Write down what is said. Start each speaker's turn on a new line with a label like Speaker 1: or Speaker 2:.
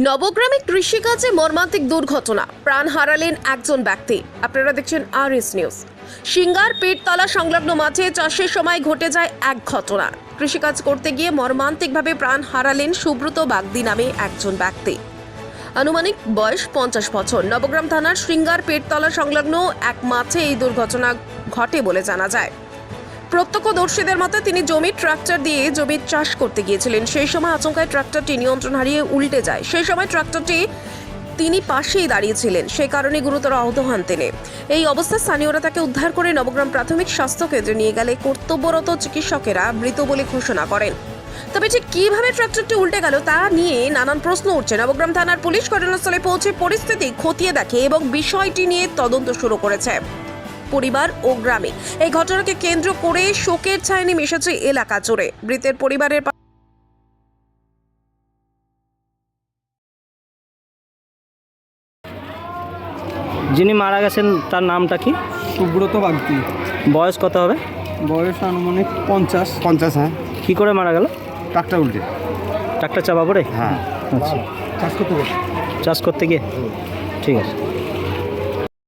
Speaker 1: নবগ্রামে কৃষিকাজে মর্মান্তিক দুর্ঘটনা, প্রাণ হারালেন একজন ব্যক্তি। আপনারা দেখছেন আরএস নিউজ। সিঙ্গার পেটতলা সংলগ্ন মাঠে চাষের সময় ঘটে যায় এক ঘটনা। কৃষিকাজ করতে গিয়ে মর্মান্তিকভাবে প্রাণ হারালেন সুব্রত বাগদি নামে একজন ব্যক্তি। আনুমানিক বয়স 50 বছর। নবগ্রাম থানার সিঙ্গার পেটতলা সংলগ্ন এক মাঠে এই দুর্ঘটনা ঘটে বলে জানা যায়। প্রত্যক্ষদর্শীদের মতে তিনি জমির ট্রাক্টর দিয়ে জমির চাষ করতে গিয়েছিলেন। সেই সময় আচমকায় ট্রাক্টরটি নিয়ন্ত্রণ হারিয়ে উল্টে যায়। সেই সময় ট্রাক্টরটি তিনি পাশেই দাঁড়িয়েছিলেন, সেই কারণে গুরুতর আহত হন তিনি। এই অবস্থায় স্থানীয়রা তাকে উদ্ধার করে নবগ্রাম প্রাথমিক স্বাস্থ্য কেন্দ্রে নিয়ে গেলে কর্তব্যরত চিকিৎসকেরা মৃত বলে ঘোষণা করেন। তবে ঠিক কিভাবে ট্রাক্টরটি উল্টে গেল তা নিয়ে নানান প্রশ্ন উঠছে। নবগ্রাম থানার পুলিশ ঘটনাস্থলে পৌঁছে পরিস্থিতি খতিয়ে দেখে এবং বিষয়টি নিয়ে তদন্ত শুরু করেছে পরিবার ও গ্রামে। এই ঘটনাকে কেন্দ্র করে শোকের ছায়া নেমে এসেছে এলাকা জুড়ে। মৃতের পরিবারের
Speaker 2: যিনি মারা গেছেন তার নামটা কি?
Speaker 3: সুব্রত বাগদি।
Speaker 2: বয়স কত হবে?
Speaker 3: বয়স আনুমানিক 50।
Speaker 4: হ্যাঁ।
Speaker 2: কি করে মারা গেল?
Speaker 4: ট্রাক্টর উল্টে।
Speaker 2: ট্রাক্টর চাপা পড়ে?
Speaker 4: হ্যাঁ।
Speaker 2: আচ্ছা,
Speaker 3: চাষ করতে
Speaker 2: চাষ করতে গিয়ে। ঠিক আছে।